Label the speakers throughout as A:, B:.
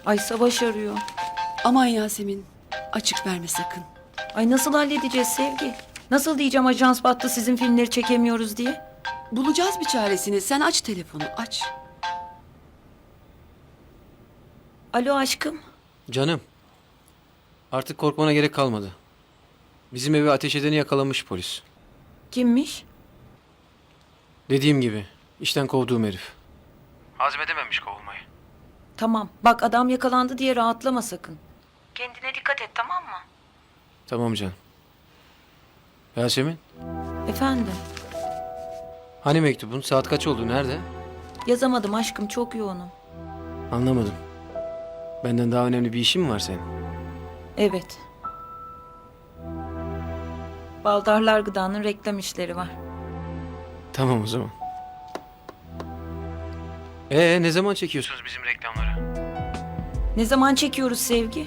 A: Ay Savaş arıyor.
B: Aman Yasemin, açık verme sakın.
A: Ay nasıl halledeceğiz Sevgi? Nasıl diyeceğim ajans battı sizin filmleri çekemiyoruz diye?
B: Bulacağız bir çaresini. Sen aç telefonu, aç.
A: Alo aşkım.
C: Canım. Artık korkmana gerek kalmadı. Bizim evi ateş edeni yakalamış polis.
A: Kimmiş?
C: Dediğim gibi işten kovduğum herif. Hazmedememiş kovulmayı.
A: Tamam. Bak adam yakalandı diye rahatlama sakın. Kendine dikkat et tamam mı?
C: Tamam canım. Yasemin,
A: Efendim?
C: hani mektubun? Saat kaç oldu? Nerede?
A: Yazamadım aşkım çok yoğunum.
C: Anlamadım. Benden daha önemli bir işin mi var senin?
A: Evet. Baldarlar Gıda'nın reklam işleri var.
C: Tamam o zaman. Ne zaman çekiyorsunuz bizim reklamları?
A: Ne zaman çekiyoruz Sevgi?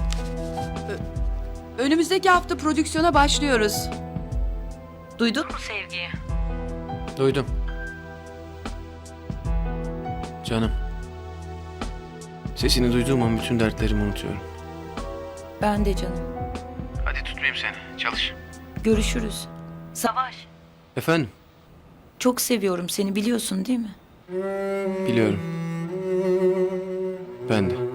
B: Önümüzdeki hafta prodüksiyona başlıyoruz.
A: Duydun mu Sevgi'yi?
C: Duydum. Canım. Sesini duyduğum an bütün dertlerimi unutuyorum.
A: Ben de canım.
C: Hadi tutmayayım seni. Çalış.
A: Görüşürüz. Savaş.
C: Efendim?
A: Çok seviyorum seni biliyorsun değil mi?
C: Biliyorum. Ben de.